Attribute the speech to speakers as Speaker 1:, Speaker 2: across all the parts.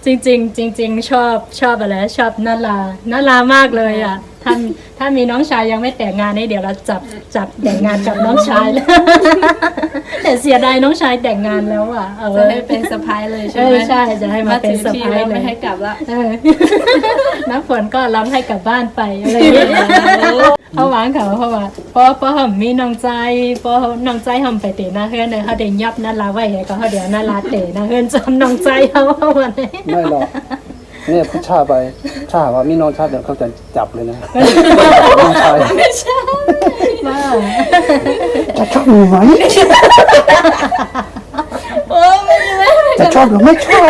Speaker 1: ริงๆจริงๆชอบอะไรชอบนาลามากเลยอ่ะถ้ามีน้องชายยังไม่แต่งงานนี่เดี๋ยวเราจับแต่งงานกับน้องชายแล้ว แต่เสียดายน้องชายแต่งงานแล้วอ่ะ
Speaker 2: จะให้เป็นสะพ้ายเลยใช่ไหม
Speaker 1: ใช่จะให้มาเป็นสะพ้ายเลย
Speaker 2: ไม่ให้กลับละ
Speaker 1: น้ำฝนก็ร้องให้กลับบ้านไปอะไรอย่างเงี้ยเขาหวังเขาเพราะว่าพอผมมีน้องใจพอน้องใจทำไปเตะหน้าเฮือนเลยเขาเดินยับนั่นลาไว้ก็เขาเดี๋ยวนั่นลาเตะหน้าเฮือนจำน้องใจเขาวันนี้
Speaker 3: ไม่หรอกเนี่ยผู้ชายไปถ้าหากว่ามีน้องชายเดี๋ยวเขาจะจับเลยนะน้องชาย
Speaker 1: ไม่ใช่ว่า
Speaker 3: จะชอบหรือไหมจะชอบหรือไม่ชอบ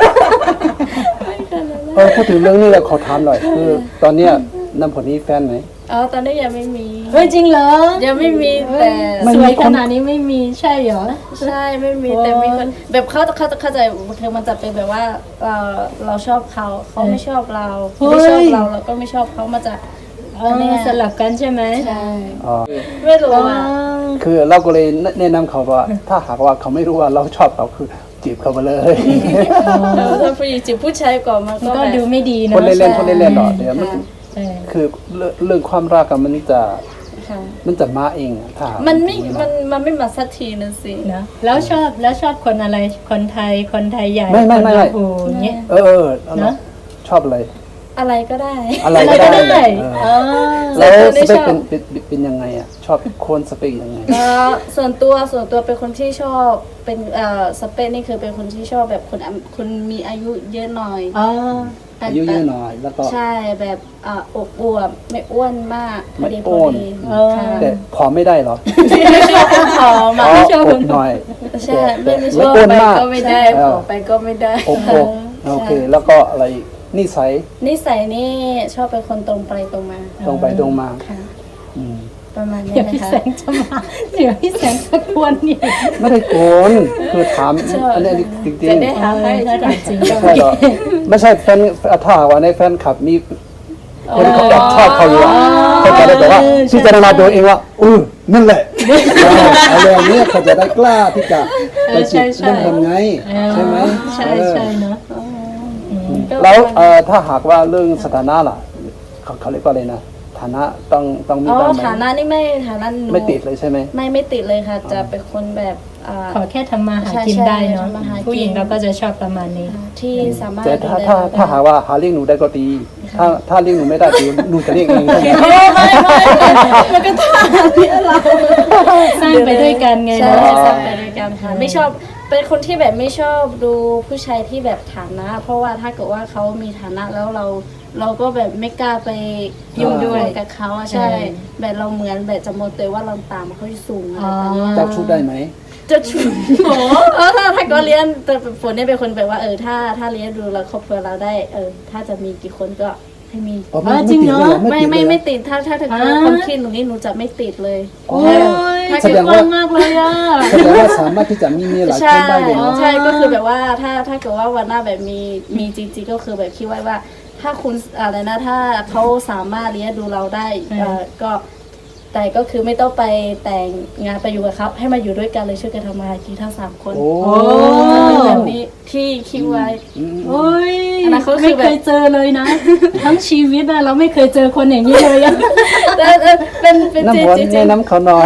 Speaker 3: พูดถึงเรื่องนี้แล้วขอถามหน่อยคือตอนเนี้ยน้ำผลนี้แฟนไหม
Speaker 2: ตอนนี้ยังไม่มี
Speaker 1: เฮ้ยจริงเหรอ
Speaker 2: ยังไม่มีแต่
Speaker 1: สวยขนาดนี้ไม่มีใช่เหรอ
Speaker 2: ใช่ไม่มีแต่มีคนแบบเขาเข้าใจคือมันจะเป็นแบบว่าเราชอบเขาไม่ชอบเราไม่ชอบเราก็ไม่ชอบเขามาจาก
Speaker 1: สลับกันใช่ไหม
Speaker 2: ใช่ไม่รู้อ่ะ
Speaker 3: คือเราก็เลยแนะนำเขาว่าถ้าหากว่าเขาไม่รู้ว่าเราชอบเขาคือจีบเขามาเลย
Speaker 2: ถ้าผู้หญิงจีบผู้ชายก่อนมัน
Speaker 1: ก็ดูไม่ดีนะ
Speaker 3: คนเล่นหรอเดี๋ยวมันคือเรื่องความรักกันมันจะมาเองถ้า
Speaker 2: มันไม่มาสักทีนึงสิ
Speaker 1: นะแล้วชอบคนอะไรคนไทยใหญ่
Speaker 3: ไม่
Speaker 1: เงี้ย
Speaker 3: ชอบอะไร
Speaker 2: ก็ได้
Speaker 3: อะไรก็ได้แล้วสเปคเป็นยังไงอ่ะชอบคนสเปคยังไง
Speaker 2: ส่วนตัวเป็นคนที่ชอบเป็นสเปคนี่คือเป็นคนที่ชอบแบบคนมีอายุเยอะหน่อย
Speaker 3: อายุเยอะหน่อยแล้วก็
Speaker 2: ใช่แบบอบอวบไม่อ้วนมาก
Speaker 3: ไม่อ้วนแต่ผอมไม่ได้หรอ
Speaker 2: ไม่ชอบคนผอม
Speaker 3: ไม่ชอบคนหน่อย
Speaker 2: ใช่ไม่ชอบไปก็ไม่ได้ผอมไปก็ไม่ได้
Speaker 3: โอเคแล้วก็อะไรนิสัย
Speaker 2: นี่ชอบเป็นคนตรงไปตรงมา
Speaker 3: ค่ะ
Speaker 2: ประมาณนี้
Speaker 1: นะคะพี่แสงจะมาเดี๋ยวพี่แสงจะกวนนี่
Speaker 3: ไม่ได้โกนคือถามอันนี้จริงๆ
Speaker 2: จะได้ถามให้
Speaker 1: จริง
Speaker 3: ไม่ใช่แฟนถ้าว่าในแฟนคลับมีคนเขาแบบชอบเขาอยู่เขาจะได้แบบว่าพิจารณาตัวเองว่านั่นแหละอะไรอย่างนี้เขาจะได้กล้าที่จะไปจีบเรื่องทำไงใช่ไหม
Speaker 1: ใช่เนาะ
Speaker 3: แล้วถ้าหากว่าเรื่องสถานะล่ะเขาเรียกว่าอะไรนะฐานะต้องมีบ้างไหม
Speaker 2: ฐานะนี่ไม่ฐานะหนู
Speaker 3: ไม่ติดเลยใช่ไหม
Speaker 2: ไม่ติดเลยค่ะจะเป็นคนแบบ
Speaker 1: ขอแค่ทำมาหากินได้เนาะผู้หญิงเราก็จะชอบประมาณนี้
Speaker 2: ที่สามารถ
Speaker 3: แต่ถ้าหากว่าหาเลี้ยงหนูได้ก็ดีถ้าเลี้ยงหนูไม่ได้หนูจะเลี้ยงเอง
Speaker 2: ไม่มันก็ต้องที่เรา
Speaker 1: สร้างไปด้วยกันไง
Speaker 2: เนาะสร้างไปด้วยกันค่ะไม่ชอบเป็นคนที่แบบไม่ชอบดูผู้ชายที่แบบฐานะเพราะว่าถ้าเกิดว่าเขามีฐานะแล้วเราก็แบบไม่กล้าไปยุ่งด้วยกับเขาใช่แบบเราเหมือนแบบจะโมเตว่าเราตามเขาสูงอะไรแบบนี้
Speaker 3: เจ้าชู้ได้ไหม
Speaker 2: จะชูถ้าก็เลี้ยงแต่ฝนเนี่ยเป็นคนแบบว่าถ้าเลี้ยงดูแล้วครอบครัวเราได้ถ้าจะมีกี่คนก็ให้มี
Speaker 1: จริงเนาะ
Speaker 2: ไม่ติดถ้าคนคิดหนูนี่หนูจะไม่ติดเลย
Speaker 1: ถ้าคิดว่ามากเลยอ่ะ
Speaker 3: แสดงว่าสามารถที่จะมีหลายคนได้เลย
Speaker 2: ใช่ก็คือแบบว่าถ้าเกิดว่าวันหน้าแบบมีจริงๆก็คือแบบคิดไว้ว่าถ้าคุณอะไรนะถ้าเขาสามารถเลี้ยงดูเราได้ก็แต่ก็คือไม่ต้องไปแต่งงานไปอยู่กับเขาให้มาอยู่ด้วยกันเลยช่วยกันทำมาหากินทั้ง3 คนแบบนี้ที่คิดไว้
Speaker 1: ไม่เคยเจอเลยนะทั้งชีวิตเราไม่เคยเจอคนอย่างนี้เลยอะ
Speaker 2: เป็น
Speaker 3: น้ำวนในน้ำเขาหน่อย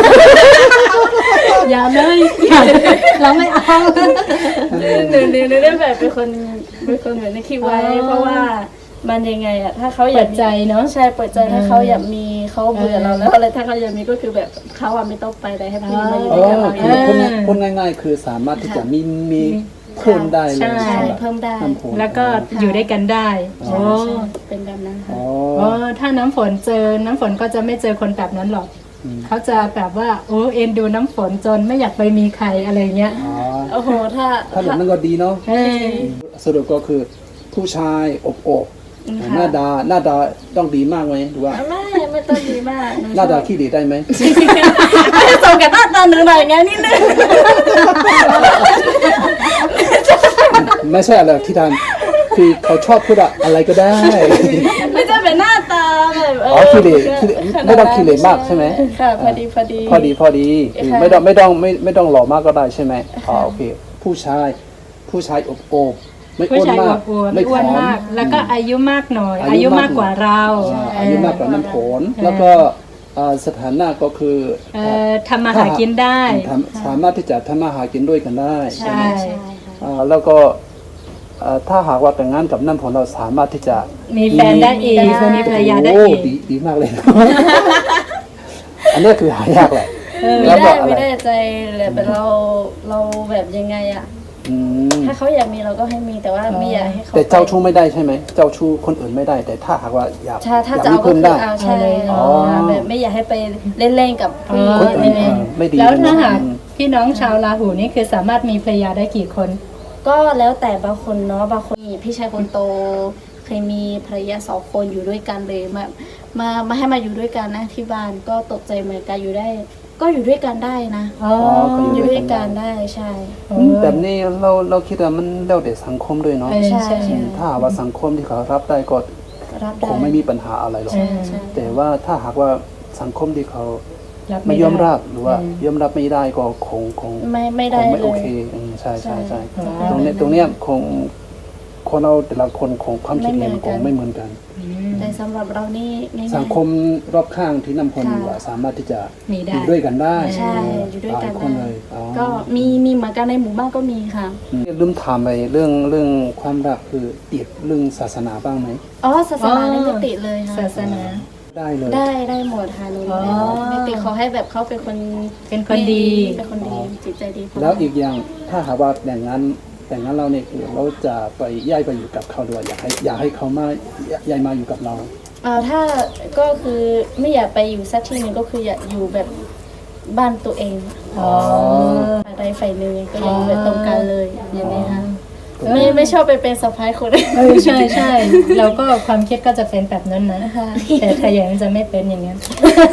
Speaker 1: อย่าเลยเราไม่เอา
Speaker 2: หนึ่งได้แบบเป็นคนแบบนี้คิดไว้เพราะว่ามันยังไงอะถ้าเขาอยาก
Speaker 1: ใจเนาะ
Speaker 2: ใช่เปิดใจถ้าเขาอยากมีเขาเบื่อเราแล้วอะไรถ้าเขาอยากมีก็คือแบบเขาไม่ต้องไปแต่ให้พี่มาอยู่ด้วยกัน
Speaker 3: พูดง่ายๆคือสามารถที่จะมีเพิ่มได้เลย
Speaker 2: ใช่เพิ่มได้
Speaker 1: แล้วก็อยู่ด้วยกันได้
Speaker 2: เป็นแบบนั้นค่ะ
Speaker 1: ถ้าน้ำฝนก็จะไม่เจอคนแบบนั้นหรอกเขาจะแบบว่าเอ็นดูน้ำฝนจนไม่อยากไปมีใครอะไรเงี้ย
Speaker 2: โอ้โหถ้า
Speaker 3: แบบนั้นก็ดีเนาะสรุปก็คือผู้ชายอบหน้าดาต้องดีมากไหมหรือว่า
Speaker 2: ไม่ต้องดีมาก
Speaker 3: หน้าดาขี้ดีได้ไหม
Speaker 2: ไม่ส่งกับหน้าตาหนึ่งหน่อยไงนิดนึง
Speaker 3: ไม่ใช่อะไรที่ทำคือเขาชอบพูดอะไรก็ได้
Speaker 2: ไม่ใช่เป็นหน้าตาแบบ
Speaker 3: ขี้ดีไม่ต้องขี้เหร่มากใช่ไหม
Speaker 2: ค่ะพอดี
Speaker 3: ไม่ต้องหล่อมากก็ได้ใช่ไหมโอเคผู้ชายอบไม่
Speaker 1: ผู้
Speaker 3: อ้วน
Speaker 1: ชาย
Speaker 3: มาก
Speaker 1: อวบๆไม่อ้วนมาก แล้วก็อายุมากหน่อย อายุมากกว่าเรา
Speaker 3: อายุมากกว่าน้ำผลแล้วก็สถานะก็คือ
Speaker 1: ทำมาหากินได้
Speaker 3: สามารถที่จะทำมาหากินด้วยกันได้
Speaker 1: ใช่
Speaker 2: ใช่ค่ะ
Speaker 3: แล้วก็ถ้าหากว่าแต่งงานกับน้ำผลเราสามารถที่จะ
Speaker 1: มีแฟนได้อีกมีภรรยาได้
Speaker 3: โอ้
Speaker 1: อีก
Speaker 3: ดีมากเลย อันนี้คือหายากแหละ
Speaker 2: ไม่
Speaker 3: แล้วก็
Speaker 2: ได้
Speaker 3: อะไร
Speaker 2: ไม่ได้ใจเลยแบบเราแบบยังไงอะ
Speaker 3: อืม
Speaker 2: ถ้าเขาอยากมีเราก็ให้มีแต่ว่าไม่อยากให้เขา
Speaker 3: แต่เจ้าชู้ไม่ได้ใช่ไหมเจ้าชู้คนอื่นไม่ได้ แต่ถ้าหากว่าอยาก
Speaker 2: ถ้า
Speaker 3: อยาก
Speaker 2: จะ
Speaker 3: มี
Speaker 2: เอาก็
Speaker 3: เพิ่ม
Speaker 2: คือ
Speaker 3: ได้
Speaker 2: เอาใช่
Speaker 3: อ๋อ
Speaker 2: แบบไม่อยากให้ไปเล่นๆกับผู้หญิง
Speaker 3: คนอื่น ไม่ดี
Speaker 1: แล้ว
Speaker 3: เลย
Speaker 1: ถ้า
Speaker 3: นะ
Speaker 1: หากพี่น้องชาวราหูนี่คือสามารถมีภรรยาได้กี่คน
Speaker 2: ก็แล้วแต่บางคนเนาะบางคนพี่ชายคนโตเคยมีภรรยา2 คนอยู่ด้วยกันเลยมาให้มาอยู่ด้วยกันนะที่บ้านก็ตกใจเหมือนกันอยู่ได้ ก็อยู่ด้วยกันได้นะ
Speaker 1: อ๋อ
Speaker 3: ก็
Speaker 2: อยู่ด้วยกันได้ใช่
Speaker 3: แบบนี้เราคิดว่ามันแล้วแต่สังคมด้วยเนาะ
Speaker 1: ใช่ใช่
Speaker 3: ถ้าหากว่าสังคมที่เขารับได้ก็
Speaker 2: รับ
Speaker 3: ค
Speaker 2: ได้
Speaker 3: งไม่มีปัญหาอะไรหรอก
Speaker 2: ใช่ใช่
Speaker 3: แต่ว่าถ้าหากว่าสังคมที่เขา
Speaker 1: รับ
Speaker 3: ไม่
Speaker 1: ด้
Speaker 3: ยอมรับหรือว่า ยอมรับไม่ได้ก็คง
Speaker 2: ไม่ได้
Speaker 3: ไม่
Speaker 2: เล
Speaker 3: โอย เคใช่
Speaker 2: ใช่
Speaker 3: ตรงเนี้ยคงคนเราแต่ละคนคงความคิดเห็นคงไม่เหมือนกัน
Speaker 2: แต่สำหรับเรานี่ง่ายๆ
Speaker 3: สังคมรอบข้างที่นำคนอยู่อะสามารถที่จะ
Speaker 1: มีได้
Speaker 3: อยู่ด้วยกันได้
Speaker 2: ใช่อยู่ด้วยกัน
Speaker 3: หลาคนเลยอ๋อ
Speaker 2: ก็มีเหมือนกันในหมู่บ้านก็มีค่ะ
Speaker 3: ลืมถามไปเรื่องความรักคือติดเรื่องศาสนาบ้างไหม
Speaker 2: อ๋อศาสนานี่ไม่ติดเลยค่ะ
Speaker 1: ศาสนา
Speaker 3: ได้เลย
Speaker 2: ได้หมดค่ะหนู
Speaker 1: อ๋อ
Speaker 2: ไม่ติดขอให้แบบเขาเป็นคน
Speaker 1: เป็นคนดี
Speaker 2: เป็นคนดีจิตใจดีพ
Speaker 3: แล้วอีกอย่างถ้าหากว่าแต่งงานเราเนี่ยคือเราจะไปย้ายไปอยู่กับเขาด้วยอยากให้เขามาย้ายมาอยู่กับเรา
Speaker 2: ถ้าก็คือไม่อยากไปอยู่สักที่หนึ่งก็คืออยากอยู่แบบบ้านตัวเอง
Speaker 1: อ๋อ
Speaker 2: ใดฝ่ายหนึ่งก็อยากอยู่แบบตรงกันเลยอย่างนี้ค่ะไม่ชอบไปเป็นสะพ้ายคนอื่น
Speaker 1: ใช่ใช่เราก็ความคิดก็จะเป็นแบบนั้นนะ
Speaker 2: ค่ะ
Speaker 1: แต่ถ้าอย่างนั้นจะไม่เป็นอย่างนั้น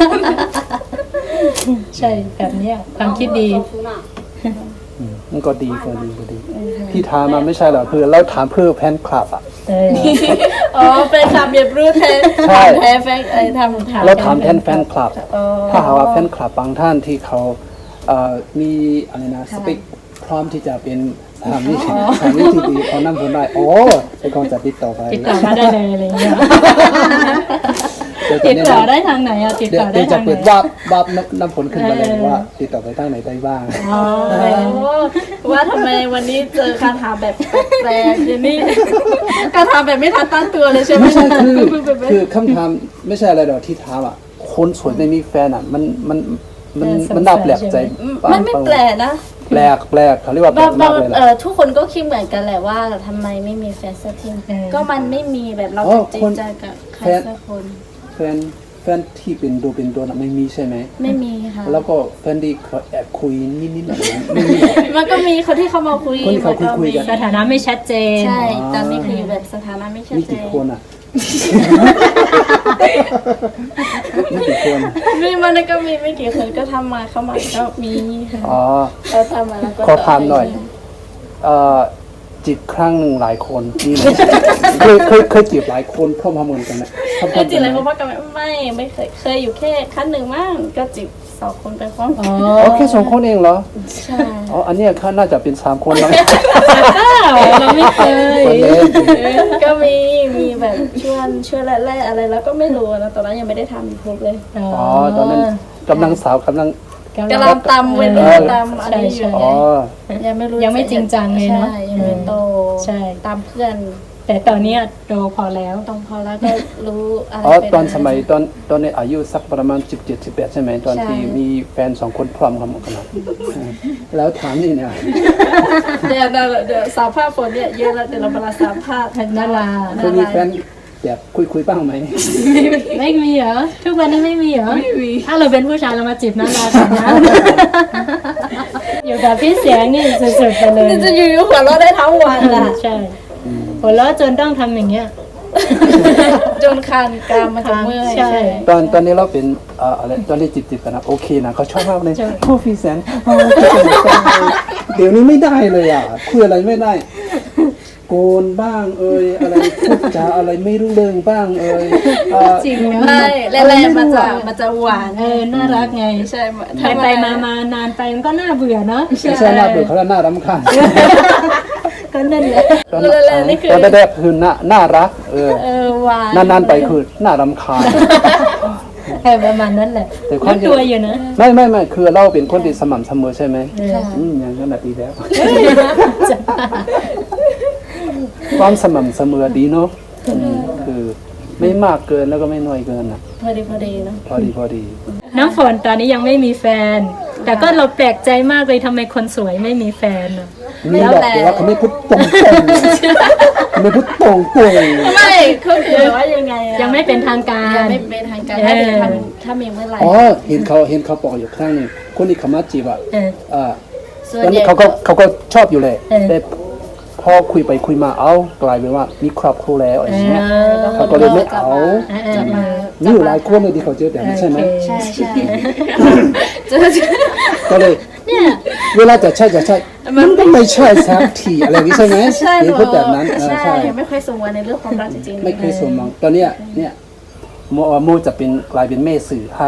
Speaker 1: ใช่แบบเนี้ยความคิดดี
Speaker 3: มันก็ดีพี่ถามมาไม่ใช่เหรอคือเราถามเพื่อแฟนคลับอ่ะ
Speaker 1: เออ
Speaker 2: อ๋อเป็นคำเรียบรู้แทน
Speaker 3: ใช่
Speaker 2: แทนแฟนทำ
Speaker 3: เราถามแทนแฟนคลับ
Speaker 2: อ๋อ
Speaker 3: ถ้าหากว่าแฟนคลับบางท่านที่เขามีอะไรนะสเปคพร้อมที่จะเป็นสามีที่ดีเขานั่งคนได้โอ้ไอ้กองจะติดต่อไป
Speaker 1: ติดต่อมาได้เลยอะไรเงี้ย
Speaker 3: เดี๋ยว
Speaker 1: ติด
Speaker 3: จะ
Speaker 1: ต่อ
Speaker 3: แนะนำ
Speaker 1: ได้ทางไหนอะติด
Speaker 3: เดี๋ย
Speaker 1: ต่
Speaker 3: ว
Speaker 1: อได้
Speaker 3: จะ
Speaker 1: ทางไหน
Speaker 3: เปิดวาบน้ำผลขึ้นมาเลยว่า ติดต่อไปทางไหนได้บ้าง
Speaker 1: อ๋อ
Speaker 2: ว่าทำไมวันนี้เจอการถามแบบแปลกๆอย่างนี้การถามแบบไม่ทันตั้งตัวเลยใช่ไหม
Speaker 3: ไม่ใช่คือคำถามไม่ใช่อะไรหรอกที่ถามอ่ะคนสวยไม่มีแฟนอ่ะมันน่าแปลกใจ
Speaker 2: มันไม่แปลกนะ
Speaker 3: แปลกเขาเรียกว่าแปลกมากเลยแหละ
Speaker 2: ทุกคนก็คิดเหมือนกันแหละว่าทำไมไม่มีแฟนสักทีก็มันไม่มีแบบเราจริงใจกับใครสักคน
Speaker 3: แฟนที่เป็นตัวน่ะไม่มีใช่ไหม
Speaker 2: ไม่มีค่ะ
Speaker 3: แล้วก็แฟนที่เขาแอบคุยนิดๆหน่อยๆไม่มีหรอก
Speaker 2: มันก็มีคนที่เขามาคุย
Speaker 3: คนที่เขาคุยกัน
Speaker 1: สถานะไม่ชัดเจน
Speaker 2: ใช่ตอนนี้คืออยู่แบบสถานะไม่ชัด
Speaker 3: มี
Speaker 2: เจ
Speaker 3: กี่
Speaker 2: น
Speaker 3: คนอ่ะ มีกี่คน
Speaker 2: มันก็มีไม่กี่คนก็ทำมาเข้ามาก็มีค่ะ
Speaker 3: อ๋อ
Speaker 2: เราทำมาแล้วก็
Speaker 3: ขอถามหน่อย จีบครั้งหนึ่งหลายคนมีไหม เคยจีบหลายคนเข้ามาเหมือนกันไหม
Speaker 2: เคยจีบอะไรเขาบอกกันไม่เคยอยู่แค่ครั้งหนึ่งมั่งก็จีบ2 คนไปพร้อม
Speaker 1: อ๋อ
Speaker 3: อ๋อแค่2 คนเองเหรอ
Speaker 2: ใช่
Speaker 3: อ๋ออันเนี้ยเขาน่าจะเป็น3 คนแล้ว
Speaker 1: เราไม่เคย
Speaker 3: คนเล่น
Speaker 2: ก็มีแบบช่วยแรกๆอะไรแล้วก็ไม่รู้นะตอนนั้นยังไม่ได้ทำยูทูบเลย
Speaker 3: อ๋อตอนนั้นกำลังกำลัง
Speaker 2: กำลังตำเว้นตำอะไรอยู่
Speaker 3: อ๋อ
Speaker 2: ยังไม่รู้
Speaker 1: ยังไม่จริงจังเลยเนาะ
Speaker 2: ใช่ยังไม่โต
Speaker 1: ใช่
Speaker 2: ตามเพื่อน
Speaker 1: แต่ตอนเนี้ยโตพอแล้ว
Speaker 2: ต้องพอแล้วก็รู้อะไร
Speaker 3: อ๋อ
Speaker 2: เป็น
Speaker 3: ตอนสมัยตอนในอายุสักประมาณ17-18ใช่ไหมตอนที่มีแฟน2 คนพร้อมกันหมดกันแล้วถามนี่เนี่ย
Speaker 2: เดี๋ยวสาวภาพฝนเนี่ยเยอะแล้วเดี๋ยวเรามาสาวภาพ
Speaker 1: นารา
Speaker 3: เคยมีแฟนแบบคุยบ้างไหม
Speaker 1: ไม่มีเหรอ ทุกวันนี้ไม่มีเหรอ ไม่มี ถ้าเราเป็นผู้ชายเรามาจีบนาราก่อนนะ อยู่กับพี่เสียงนี่สุดๆไปเลย
Speaker 2: จะอยู่หัวเราะได้ทั้งวันอ่ะ
Speaker 1: ใช่หัวเราะจนต้องทำอย่างเงี้ย
Speaker 2: จนคันกรามมันจะเมื่อย
Speaker 1: ใช่
Speaker 3: ตอนนี้เราเป็นอะไรตอนนี้จีบกันนะโอเคนะเขาชอบมากเลย
Speaker 1: ใช่
Speaker 3: โอ้พี่แสนเดี๋ยวนี้ไม่ได้เลยอ่ะคุยอะไรไม่ได้ โกนบ้างอะไรพูดจาอะไรไม่รู้เรื่องบ้าง
Speaker 1: จริงนะ
Speaker 2: ใช่แรกๆมันจะหวาน
Speaker 1: น่ารักไง
Speaker 2: ใช่
Speaker 1: ไปมานานไปมันก็น่าเบื่อเนาะ
Speaker 3: ไม่ใช่น่าเบื่อเขาแล้วน่ารำคาญ
Speaker 1: ก็นั่นแหละ
Speaker 3: ตอน
Speaker 2: นี่คือ
Speaker 3: ตอนแรกคือน่ารัก
Speaker 2: หวาน
Speaker 3: นานๆไปคือน่ารำคาญ
Speaker 1: ประมาณนั้นแหละ
Speaker 3: แต่ความ
Speaker 1: รู้ตัวอยู่นะ
Speaker 3: ไม่คือเราเป็นคนที่สม่ำเสมอใช่ไหม
Speaker 2: ค่ะ
Speaker 3: อย่างนั้นดีแล้ว ความสม่ำเสมอดีเนาะคือไม่มากเกินแล้วก็ไม่น้อยเกินนะ
Speaker 2: พอดีเนาะ
Speaker 3: พอดี
Speaker 1: น้ำฝนตอนนี้ยังไม่มีแฟน แต่ก็เราแปลกใจมากเลยทำไมคนสวยไม่มีแฟนอะ
Speaker 3: นี่บอกเดี๋ยวว่าเขาไม่พูดตรงๆไม่พูดตรง
Speaker 2: ไม่คือว่ายังไงอะ
Speaker 1: ยังไม่เป็นทางการ
Speaker 2: ยังไม่เป็นทางการถ้ามีเมื่อไหร่
Speaker 3: ๆอ๋อเห็นเขาบอกอยู่ครั้งหนึงคนที่เขามาจีบอ่ะ
Speaker 2: ส่วน
Speaker 3: ตอน
Speaker 2: ให
Speaker 3: นี้
Speaker 2: ญ่
Speaker 3: เขาก็ชอบอยู่เลย
Speaker 1: เออ
Speaker 3: แต่พอคุยไปคุยมากลายเป็นว่ามีครอบครัวแล้วอะไรอย่างเงี้ยเขาก็เลยไม่เอา
Speaker 2: จะมา
Speaker 3: มีอยู่หลายคนเลยที่เขาเจอแบบนี้ใช่ไหม
Speaker 2: ใช่เจอ
Speaker 3: ก็เลยเวลาจะใช่มันก็ไม่ใช่สักทีอะไรอย่างนี้ใช่ไหม
Speaker 2: ใช่
Speaker 3: เห็นพูดแบบนั้น
Speaker 2: ใช่ไม่ค่อยสมหวังในเรื่องความรักจริงๆ
Speaker 3: ไม่เคยสมหวังตอนเนี้ยโมจะเป็นกลายเป็นแม่สื่อให้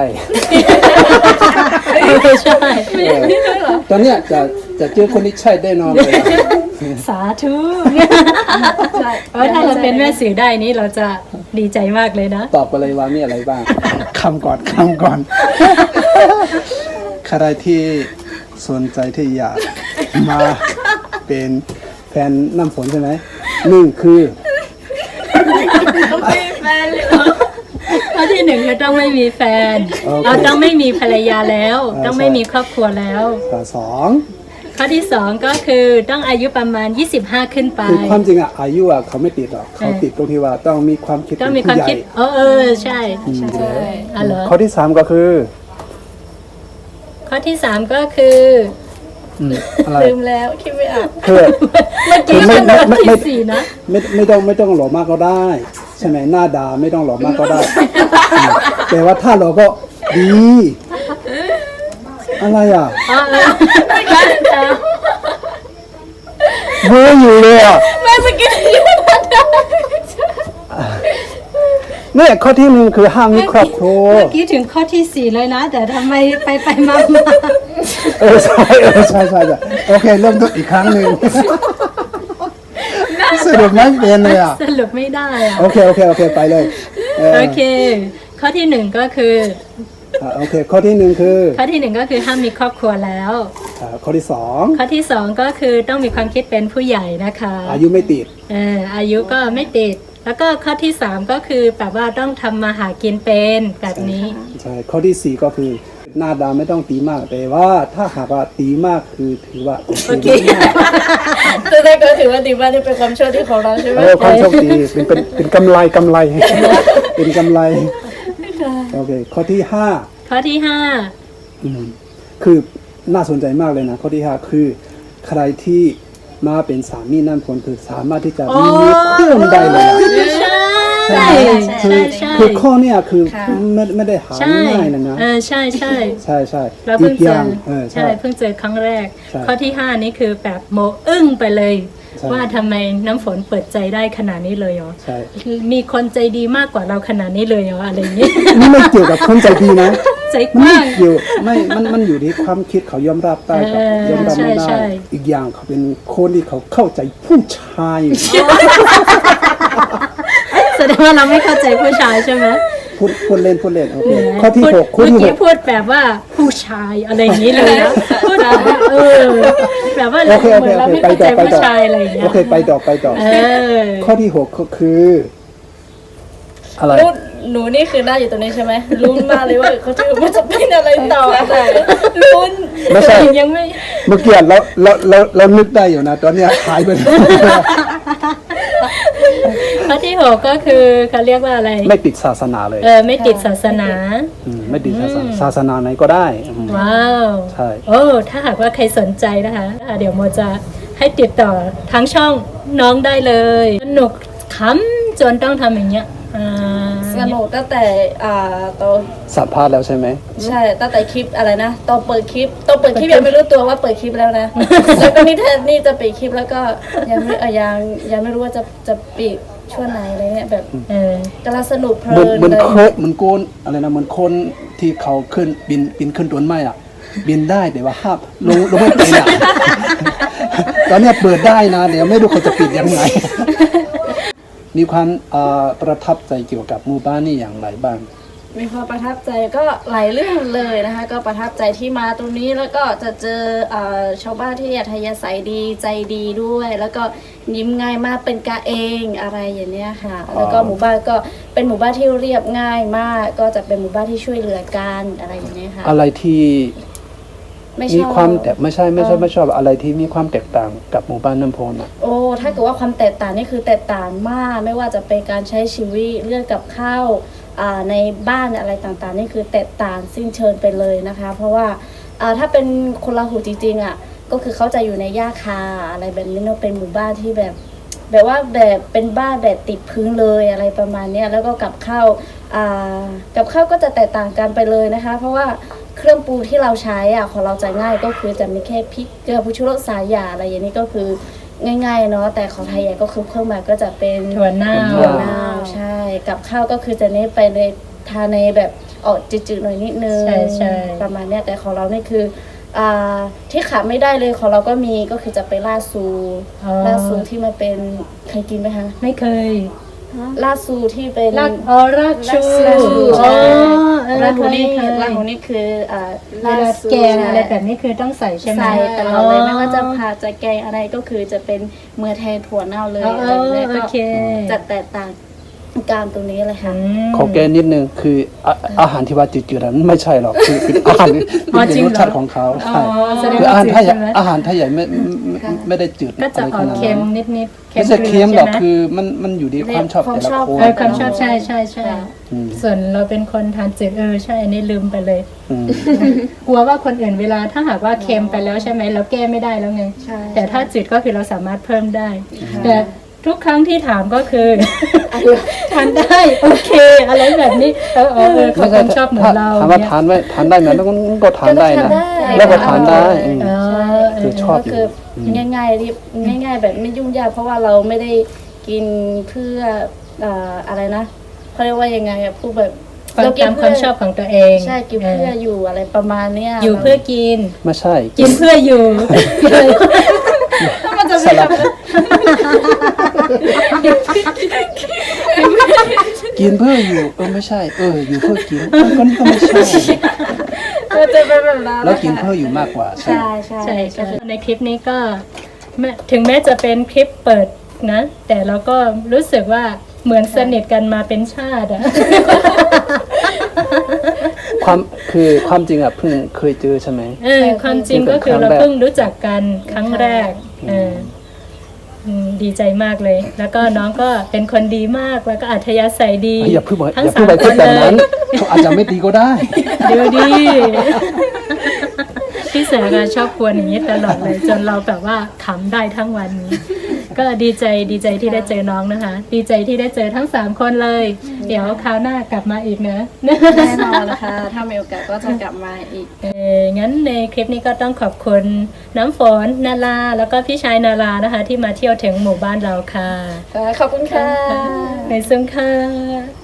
Speaker 1: ใช่
Speaker 3: ตอนเนี้ยจะเจอคนที่ใช่ได้นอนเลย
Speaker 1: สาธุถ้าเราเป็นแม่สื่อได้นี้เราจะดีใจมากเลยนะ
Speaker 3: ตอบไปเลยว่ามีอะไรบ้างคำก่อน ใครที่สนใจที่อยากมาเป็นแฟนน้ำฝนใช่ไหมหนึ่งคือ
Speaker 1: ข้อที่หนึ่งคือต้องไม่มีแฟน เราต้องไม่มีภรรยาแล้ว ต้องไม่มีครอบครัวแล้ว
Speaker 3: สอง
Speaker 1: ข้อที่สองก็คือต้องอายุประมาณ25ขึ้นไป
Speaker 3: คือความจริงอะอายุอะเขาไม่ติดหรอกเขาติดตรงที่ว่าต้องมีความคิด
Speaker 1: ต้อง
Speaker 3: เป็น
Speaker 1: มีความ
Speaker 3: ผู้ใหญ่
Speaker 1: คิดใช่อ๋อเหรอ
Speaker 3: ข้อที่สามก็คือ
Speaker 1: ข้อที่สามก็คือ
Speaker 3: อะไร
Speaker 2: ลืมแล้วคิดไม่ออก
Speaker 3: คือ
Speaker 1: เมื่อกี้
Speaker 3: ไม่
Speaker 1: ข้อ
Speaker 3: ไม่
Speaker 1: ที่สี่นะ
Speaker 3: ไม่ต้องหล่อมากก็ได้ ใช่ไหมหน้าดาไม่ต้องหล่อมากก็ได้แต่ว่าถ้าหล่อก็ดี อะไรอ่ะเบื่ออยู่เลยอ่ะ
Speaker 2: ไม่เมื่อกี้
Speaker 3: เนี่ยข้อที่หนึ่งคือห้ามมีครอบครัว
Speaker 1: เมื่อกี้ถึงข้อที่สี่เลยนะ แต่ทำไมไปมา
Speaker 3: ใช่โอเคเริ่มต้นอีกครั้งหนึ่งสรุปไม่เป็นเลยอ่ะ
Speaker 1: สรุปไม่ได้อะ
Speaker 3: โอเคไปเลย
Speaker 1: โอเค ข้อที่หนึ่งก็คือ
Speaker 3: โอเคข้อที่หนึ่งคือ
Speaker 1: ข้อที่หนึ่งก็คือห้ามมีครอบครัวแล้ว
Speaker 3: ข้อที่สอง
Speaker 1: ข้อที่สองก็คือต้องมีความคิดเป็นผู้ใหญ่นะคะ
Speaker 3: อายุไม่ติด
Speaker 1: อายุก็ไม่ติด แล้วก็ข้อที่สามก็คือแบบว่าต้องทำมาหากินเป็นแบบนี้
Speaker 3: ใช่ข้อที่สี่ก็คือหน้าดาไม่ต้องตีมากแต่ว่าถ้าหากว่าตีมากคือถือว่า
Speaker 1: โอเค
Speaker 2: แต่ได้ก็ถือว่าดีว่านี่เป็นความโชคดีของเราใช่ไหม
Speaker 3: ความโชคดีเป็นกำไร เป็นกำไรโอเคข้อที่ห้า
Speaker 1: ข้อที่ห้า
Speaker 3: คือน่าสนใจมากเลยนะข้อที่ห้าคือใครที่มาเป็นสามีนั่นผลคือสามารถที่จะมีเพื่อนได้เลยอะ
Speaker 1: ใช่
Speaker 3: คือข้อเนี้ยคือไม่ได้หาง่ายนะ
Speaker 1: ใช่ เรา
Speaker 3: อี
Speaker 1: เพิ่ง
Speaker 3: กอ
Speaker 1: เจอย่าง
Speaker 3: ใช่
Speaker 1: เพิ่งเจอครั้งแรก
Speaker 3: ใช่
Speaker 1: ข้อที่ห้านี้คือแบบโมอึ้งไปเลย
Speaker 3: ใช่
Speaker 1: ว่าทำไมน้ำฝนเปิดใจได้ขนาดนี้เลยเหรอ
Speaker 3: ใช่
Speaker 1: มีคนใจดีมากกว่าเราขนาดนี้เลยเหรออะไรอย่างนี้
Speaker 3: นี่ไม่เกี่ยวกับคนใจดีนะ
Speaker 1: ใจก
Speaker 3: มัน
Speaker 1: ว้า
Speaker 3: ไม่
Speaker 1: ง
Speaker 3: เกี่ยวมันอยู่ที่ความคิดเขายอมรับได้กับยอมรับไม่
Speaker 1: ใช่
Speaker 3: ได้อีกอย่างเขาเป็นคนที่เขาเข้าใจผู้ชาย
Speaker 1: แสดงว่าเราไม่เข้าใจผู้ชายใช่ไหม
Speaker 3: พูดเล่นโอเคข้อที่หกข้อ
Speaker 1: เมื่อ
Speaker 3: ที่ห
Speaker 1: กี้
Speaker 3: ก
Speaker 1: พูดแบบว่าผู้ชายอะไรอย่างนี้เลยนะพูดแบบว่าแบบว่า
Speaker 3: โอเค
Speaker 1: เหมือนเราไม่
Speaker 3: ไป
Speaker 1: เข้า
Speaker 3: ต่
Speaker 1: ใจ
Speaker 3: อ
Speaker 1: ผู้ชายอะไรอย่างเงี้ย
Speaker 3: โอเคไปต่อ ข้อที่หกก็คืออะไร
Speaker 2: หนูนี่คือหน้าอยู่ตรงนี้ใช่ไหมลุ้นมากเลยว่าเขาจะมันจะเป็นอะไรต่อลุ้น
Speaker 3: ไม่ใช่
Speaker 1: ยังไม่
Speaker 3: เมื่อกี้เรานึกได้อยู่นะตอนเนี้ยหายไปเลย
Speaker 1: ข้อที่หกก็คือเขาเรียกว่าอะไร
Speaker 3: ไม่ติดศาสนาเลย
Speaker 1: ไม่ติดศาสนา
Speaker 3: ไม่ติดศาสนาไหนก็ได้
Speaker 1: ว้าว
Speaker 3: ใช่
Speaker 1: โอ้ถ้าหากว่าใครสนใจนะคะเดี๋ยวโมจะให้ติดต่อทั้งช่องน้องได้เลยสนุกขำจนต้องทำอย่างเงี้ย
Speaker 2: สนุกตั้งแต่ตอน
Speaker 3: สัมภาษณ์แล้วใช่ไหม
Speaker 2: ใช่ตั้งแต่คลิปอะไรนะตอนเปิดคลิปยังไม่รู้ตัวว่าเปิดคลิปแล้วนะ แล้วก็นี่จะปิดคลิปแล้วก็ยังไม่รู้ว่าจะปิดช่วงไหนอะไรเนี่ยแบบกำลังสนุกเพลิ
Speaker 3: เหมือน
Speaker 2: นเลย
Speaker 3: เหมือนโกนอะไรนะเหมือนคนที่เขาขึ้นบินขึ้นต้นไม้อ่ะบินได้แต่ว่าห้ามลงไม่เป็นอ่ะ ตตอนเนี้ยเปิดได้นะ เดี๋ยวไม่รู้เขาจะปิดยังไง มีความประทับใจเกี่ยวกับหมู่บ้านนี่อย่างไรบ้าง
Speaker 2: มีความประทับใจก็หลายเรื่องเลยนะคะ ก็ประทับใจที่มาตรงนี้แล้วก็จะเจอชาวบ้านที่อัธยาศัยดีใจดีด้วย แล้วก็ยิ้มง่ายมากเป็นกะเองอะไรอย่างเนี้ยค่ะ แล้วก็หมู่บ้านก็เป็นหมู่บ้านที่เรียบง่ายมาก ก็จะเป็นหมู่บ้านที่ช่วยเหลือกันอะไรอย่างเนี้ยค่ะ
Speaker 3: อะไรที่
Speaker 2: ไม่ช
Speaker 3: มี
Speaker 2: อบ
Speaker 3: ความแต่ไม่ใช่ไม่ชอบอะไรที่มีความแตกต่างกับหมู่บ้านน้ำโพนอ่ะ
Speaker 2: โอ้ถ้าเกิดว่าความแตกต่างนี่คือแตกต่างมาก ไม่ว่าจะเป็นการใช้ชีวิตเรื่องกับข้าวในบ้านอะไรต่างๆนี่คือแตกต่างสิ้นเชิงไปเลยนะคะ เพราะว่าถ้าเป็นคนลาหูจริงๆอ่ะก็คือเขาจะอยู่ในหญ้าคาอะไรแบบนี้เนอะเป็นหมู่บ้านที่แบบว่าแบบเป็นบ้านแบบติดพื้นเลยอะไรประมาณเนี้ยแล้วก็กับข้าวก็จะแตกต่างกันไปเลยนะคะ เพราะว่าเครื่องปรุงที่เราใช้ของเราจะง่ายก็คือจะมีแค่พริกเกลือผงชูรสสาหร่ายอะไรอย่างนี้ก็คือง่ายๆเนาะแต่ของไทยใหญ่ก็คือเพิ่มมาก็จะเป็น
Speaker 1: ถั่วเน่า
Speaker 2: ถั่วเน่าใช่กับข้าวก็คือจะเน้นไปในทานในแบบออกจืดๆหน่อยนิดนึง
Speaker 1: ใช่
Speaker 2: ประมาณเนี้ยแต่ของเรานี่คือที่ขาดไม่ได้เลยของเราก็มีก็คือจะไปลาดซูที่มันเป็นเคยกินไหมคะ
Speaker 1: ไม่เคย
Speaker 2: ลาดซูที่เป็น
Speaker 1: รากชู
Speaker 2: ลาดชู
Speaker 1: อ๋อ
Speaker 2: ลาดหูนี่คือ
Speaker 1: เคย
Speaker 2: ลาดหูนี่คือ
Speaker 1: เวลาแกงอะไรแบบนี้คือต้องใส่ใช่ไหม
Speaker 2: ใส่ตลอดเลยไม่ว่าจะผัดจะแกงอะไรก็คือจะเป็นเมื่อแทนถั่วเน่าเลย
Speaker 1: อ๋อ
Speaker 2: อะไรแบบเนี้ย
Speaker 1: โอ
Speaker 2: ก็
Speaker 1: เค
Speaker 2: จะแตกต่างการตรงนี้เลยค่ะ
Speaker 3: ขอแก้นิดนึงคืออาหารที่ว่าจืดๆนั้นไม่ใช่หรอกคือเป็นอาหาร
Speaker 1: อ๋อ
Speaker 3: เป็น
Speaker 1: จริง
Speaker 3: ร
Speaker 1: เหรอ
Speaker 3: สชาติของเขา
Speaker 1: อ๋อ
Speaker 3: ใช่
Speaker 1: แสดง
Speaker 3: คือ
Speaker 1: ว่า
Speaker 3: อาหารไทย
Speaker 1: จืดใช่ไหม
Speaker 3: อาหารไทยใหญ่ไม่ได้จืด
Speaker 1: ก็จะออก
Speaker 3: ไรขนาด
Speaker 1: เค็
Speaker 3: นั้
Speaker 1: ม
Speaker 3: น
Speaker 1: นิดๆ
Speaker 3: ไม่ใช่เค็มหรอก
Speaker 1: ใช่ไห
Speaker 3: คือมันอยู่ที่ความชอบแต่ละคน
Speaker 1: ความชอบใช่
Speaker 3: อืม
Speaker 1: ส่วนเราเป็นคนทานจืดใช่อันนี้ลืมไปเลย
Speaker 3: อืม
Speaker 1: กลัวว่าคนอื่นเวลาถ้าหากว่าเค็มไปแล้วใช่ไหมเราแก้ไม่ได้แล้วไง
Speaker 2: ใช่
Speaker 1: แต่ถ้าจืดก็คือเราสามารถเพิ่มได้ แต่ทุกครั้งที่ถามก็คือ ทานได้โอเค อะไรแบบนี้เขาคงชอบเหมือนเรา
Speaker 3: ถามว่า
Speaker 1: เนี่ย
Speaker 3: ทานไหมทานได้ไหมแล้วก็ทานได้นะ แล้วก็ทานได้อืม คือชอบ
Speaker 2: ก็คือง่ายๆรีบง่าย ๆ แบบไม่ยุ่งยากเพราะว่าเราไม่ได้กินเพื่ออะไรนะเขาเรียกว่ายังไงอะพูดแบบ
Speaker 1: ความตามความชอบของตัวเอง
Speaker 2: ใช่กินเพื่ออยู่อะไรประมาณเนี้ย
Speaker 1: อยู่เพื่อกิน
Speaker 3: ไม่ใช่
Speaker 1: กินเพื่ออยู่
Speaker 2: มันจะ
Speaker 3: ส
Speaker 2: ไม่
Speaker 3: ลับกินเพื่ออยู่ไม่ใช่อยู่เพื่อกินก็ไม่ใช่
Speaker 2: มันจะเป็นแบบนั้น
Speaker 3: แล้วกินเพื่ออยู่มากกว่าใช่
Speaker 2: ใช่
Speaker 1: ใช่ในคลิปนี้ก็ถึงแม้จะเป็นคลิปเปิดนะ แต่เราก็รู้สึกว่าเหมือนสนิทกันมาเป็นชาติอะ
Speaker 3: ความจริงอ่ะเพิ่งเคยเจอใช่ไหม
Speaker 1: ความจริงก็คือเราเพิ่งรู้จักกันครั้งแรกดีใจมากเลย แล้วก็น้องก็เป็นคนดีมากแล้วก็อัธยาศัยดี
Speaker 3: อย่าเพิ่ง
Speaker 1: ทั้ง
Speaker 3: ไป
Speaker 1: สาม
Speaker 3: พูด
Speaker 1: ค
Speaker 3: แบบ
Speaker 1: นเล
Speaker 3: นั้
Speaker 1: ย
Speaker 3: นเขาอาจจะไม่ดีก็ได้
Speaker 1: ดูดี พี่เสือก็ชอบกวนอย่างนี้ตลอดเลย จนเราแบบว่าขำได้ทั้งวันนี้ ก็ดีใจที่ได้เจอน้องนะคะ ดีใจที่ได้เจอทั้ง3คนเลย เดี๋ยวคราวหน้ากลับมาอีกนะ
Speaker 2: แน่นอนนะคะถ้ามีโอกาสก็จะกลับมาอีก
Speaker 1: งั้นในคลิปนี้ก็ต้องขอบคุณน้ำฝนนาราแล้วก็พี่ชายนารานะคะ ที่มาเที่ยวถึงหมู่บ้านเราค่ะ
Speaker 2: ขอบคุณค่ะ
Speaker 1: ในซุ้มค่ะ